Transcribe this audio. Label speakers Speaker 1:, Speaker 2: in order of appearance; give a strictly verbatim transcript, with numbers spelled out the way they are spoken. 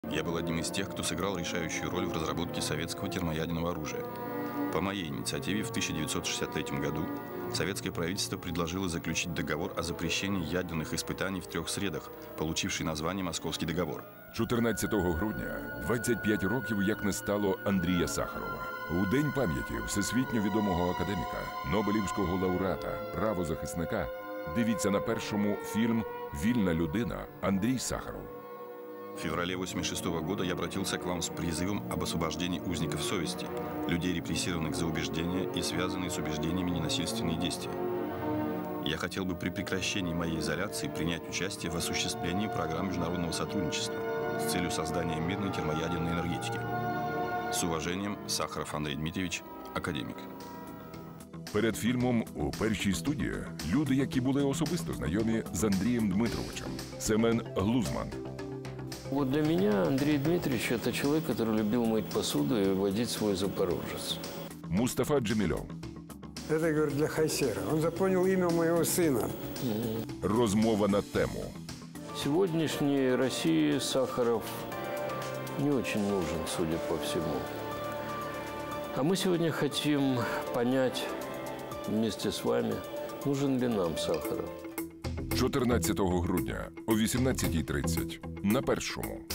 Speaker 1: Я был одним из тех, кто сыграл решающую роль в разработке советского термоядерного оружия. По моей инициативе в тысяча девятьсот шестьдесят третьем году советское правительство предложило заключить договор о запрещении ядерных испытаний в трех средах, получивший название «Московський договор».
Speaker 2: чотирнадцятого грудня двадцять п'ять років як не стало Андрія Сахарова. У День пам'яті всесвітньо відомого академіка, Нобелівського лауреата, правозахисника дивіться на першому фільм «Вільна людина» Андрій Сахаров.
Speaker 1: В феврале восемьдесят шестого года я обратился к вам с призывом об освобождении узников совести, людей, репрессированных за убеждения и связанные с убеждениями ненасильственные действия. Я хотел бы при прекращении моей изоляции принять участие в осуществлении программ международного сотрудничества с целью создания мирной термоядерной энергетики. С уважением, Сахаров Андрей Дмитриевич, академик.
Speaker 2: Перед фільмом у першій студії люди, які були особисто знайомі з Андрієм Дмитровичем. Семен Глузман.
Speaker 3: Вот для меня Андрей Дмитриевич – это человек, который любил мыть посуду и водить свой Запорожец.
Speaker 2: Мустафа Джемілов.
Speaker 4: Это, говорю, для Хайсера. Он запомнил имя моего сына.
Speaker 2: Розмова на тему.
Speaker 3: Сегодняшней России Сахаров не очень нужен, судя по всему. А мы сегодня хотим понять вместе с вами, нужен ли нам Сахаров.
Speaker 2: чотирнадцятого грудня о вісімнадцятій тридцять на Першому.